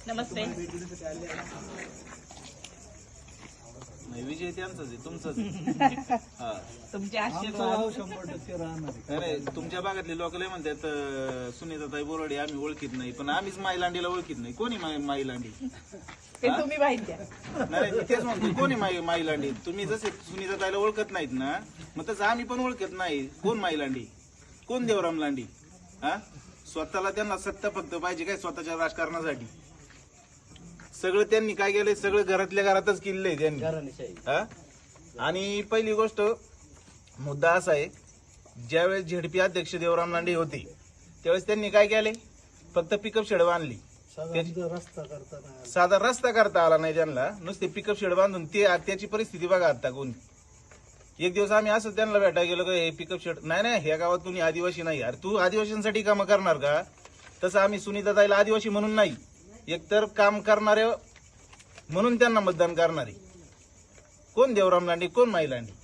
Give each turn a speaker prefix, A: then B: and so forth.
A: नमस्ते.
B: विजय त्यांचाच आहे, तुमचाच हा.
A: तुमचे आशीर्वाद
C: 100% राहणार.
B: अरे तुमच्या भागातले लोक लय म्हणतात सुनीताताई बोराडे आम्ही ओळखीत नाही, पण आम्हीच माईलांडीला ओळखीत नाही. कोणी माईलांडी?
A: ते तुम्ही माहिती द्या.
B: नाही मी तेच म्हणतो, कोणी माईलांडी? तुम्ही जसे सुनीताताईला ओळखत नाहीत ना, मग तसं आम्ही पण ओळखत नाही. कोण माईलांडी, कोण देवराम लांडी? हा, स्वतःला त्यांना सत्ता फक्त पाहिजे काय स्वतःच्या राजकारणासाठी. सगळं त्यांनी काय केलंय, सगळं घरातल्या घरातच केलेलं आहे त्यांनी. हा, आणि पहिली गोष्ट मुद्दा असा आहे, ज्यावेळेस झेडपी अध्यक्ष देवराम लांडे होते त्यावेळेस त्यांनी काय केले, फक्त पिकअप शेड बांधली. साधा रस्ता करता आला नाही त्यांना, नुसते पिकअप शेड बांधून ते त्याची परिस्थिती बघा आता. कोणी एक दिवस आम्ही असं त्यांना भेटायला गेलो का, हे पिकअप शेड नाही, ह्या गावात तुम्ही आदिवासी नाही यार, तू आदिवासींसाठी कामं करणार का? तसं आम्ही सुनीताताईला आदिवासी म्हणून नाही, एकतर काम करणारे म्हणून त्यांना मतदान करणारे. कोण देवराम लांडे, कोण माई लांडे?